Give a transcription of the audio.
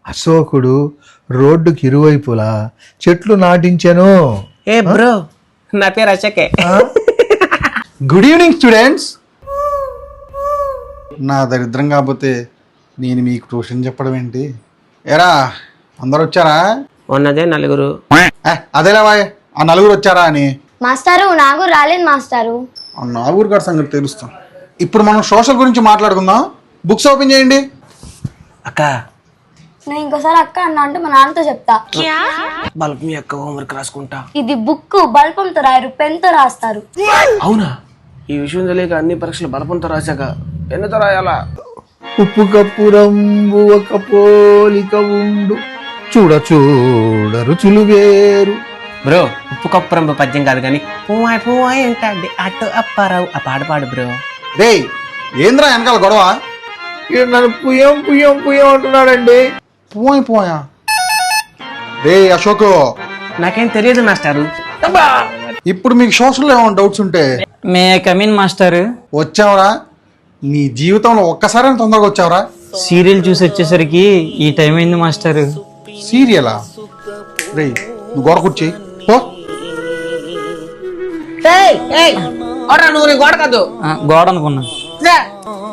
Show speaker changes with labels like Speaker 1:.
Speaker 1: అశోకుడు రోడ్డుకి ఇరువైపులా చెట్లు నాటించెను.
Speaker 2: ఏ బ్రో, నా పేరు అశోకే.
Speaker 3: Good evening students. నా దరిద్రం కాకపోతే నేను మీకు ట్యూషన్ చెప్పడం ఏంటి? ఎరా అందరు వచ్చారా?
Speaker 2: ఉన్నదే నలుగురు.
Speaker 3: అదేలా బాయ్, ఆ నలుగురు వచ్చారా అని.
Speaker 4: మాస్టారు నాకు రాలేదు మాస్టారు.
Speaker 3: ఆ నలుగురు గారి సంగతి తెలుస్తాం. ఇప్పుడు మనం సోషల్ గురించి మాట్లాడుకుందాం. బుక్స్ ఓపెన్ చేయండి.
Speaker 2: అక్క,
Speaker 4: నేను ఇంకోసారి అక్క అన్నా అంటే మా నాన్నతో చెప్తా.
Speaker 2: బల్బ్ మీ అక్క హోంవర్క్ రాసుకుంటా.
Speaker 4: ఇది బుక్ బల్పంతో రాయరు, పెన్తో రాస్తారు.
Speaker 2: అవునా? ఈ విషయం తెలియక అన్ని పరీక్షలు బలపంతో రాశాక పెన్నుతో రాయాలా?
Speaker 1: ఉప్పు కప్పు రంబు ఒక పోలిక ఉండు, చూడ చూడ రుచులు వేరు.
Speaker 2: బ్రో, ఉప్పు కప్పురంబ పద్యం కాదు కానీ పువ్వాయి పువ్వాయి అంటే అటు అప్పారావు ఆ పాట పాడు బ్రో.
Speaker 3: రే ఏంద్రా వెనకాల గొడవ?
Speaker 1: ఈడు నన్ను పుయ్యం పుయ్యం పుయ్యం అంటున్నాడండి.
Speaker 3: పోయా రే అశోక్,
Speaker 2: నాకేం తెలియదు మాస్టారు.
Speaker 3: ఇప్పుడు మీకు సోషల్లో ఏమైనా డౌట్స్ ఉంటే
Speaker 5: మే కమిన్ మాస్టర్.
Speaker 3: వచ్చావరా? నీ జీవితంలో ఒక్కసారి తొందరగా వచ్చావరా?
Speaker 5: సీరియల్ చూసి వచ్చేసరికి ఈ టైం అయింది మాస్టర్.
Speaker 3: సీరియలా? రే నువ్వు గొడవ కూర్చి పో.
Speaker 2: నువ్వు నీ గోడ కాదు
Speaker 5: గోడ అనుకున్నా.